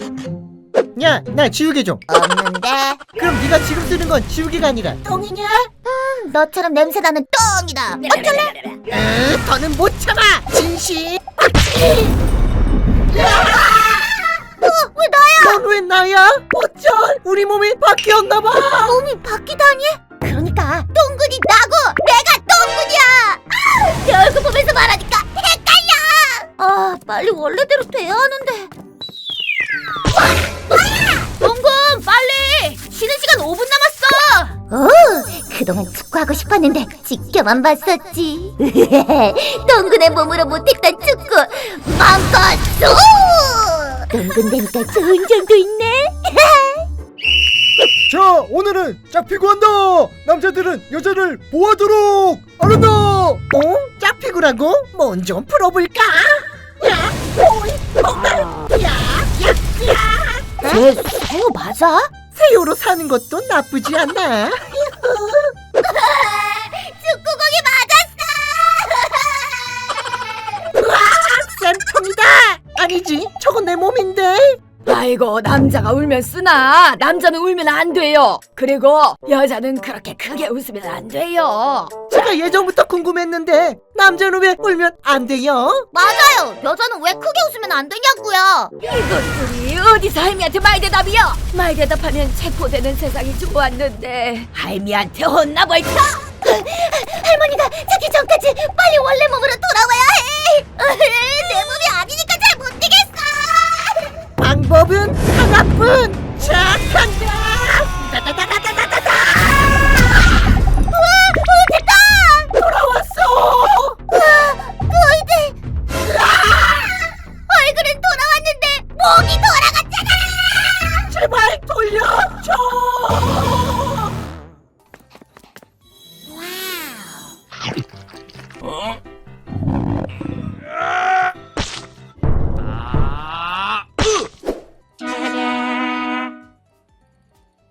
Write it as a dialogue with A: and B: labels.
A: 야, 나 지우개 좀.
B: 없는데.
A: 그럼 네가 지금 쓰는 건 지우개가 아니라
B: 똥이냐? 너처럼 냄새나는 똥이다. 어쩔래?
A: 더는 못 참아. 진심.
B: 왜 나야?
A: 넌 왜 나야? 어쩔. 우리 몸이 바뀌었나봐.
B: 몸이 바뀌다니? 그러니까 똥군이 나고 내가 똥군이야. 내 얼굴 보면서 말하니까 헷갈려. 아, 빨리 원래대로 돼야 하는데. 똥군, 빨리! 쉬는 시간 5분 남았어. 그동안 축구하고 싶었는데 지켜만 봤었지. 똥군의 몸으로 못했던 축구 마음껏 쏘! 똥군 되니까 좋은 점도 있네.
A: 자, 오늘은 짝피구 한다. 남자들은 여자를 보호하도록. 알았나? 짝피구라고? 뭔 좀 풀어볼까?
B: 쟤 새우 맞아?
A: 새우로 사는 것도 나쁘지 않나?
B: 축구공이 맞았어.
A: 쌤통이다. 아니지, 저건 내 몸인데.
C: 아이고, 남자가 울면 쓰나? 남자는 울면 안 돼요. 그리고 여자는 그렇게 크게 웃으면 안 돼요.
A: 제가 예전부터 궁금했는데 남자는 왜 울면 안 돼요?
B: 맞아요. 여자는 왜 크게 웃으면 안 되냐고요.
C: 이것들이 어디서 할미한테 말대답이요? 말대답하면 체포되는 세상이 좋았는데 할미한테 혼나볼까?
B: 할머니가 자기 전까지 빨리 원래 몸으로 돌아와야 해. 내 몸이 아니니까 잘 못 되겠어.
A: 방법은 하나뿐. 자, 간다. 다다다다다다다.
B: 됐다.
A: 돌아왔어.
B: 너희들. 얼굴은 돌아왔는데 목이 돌아갔잖아.
A: 제발 돌려줘.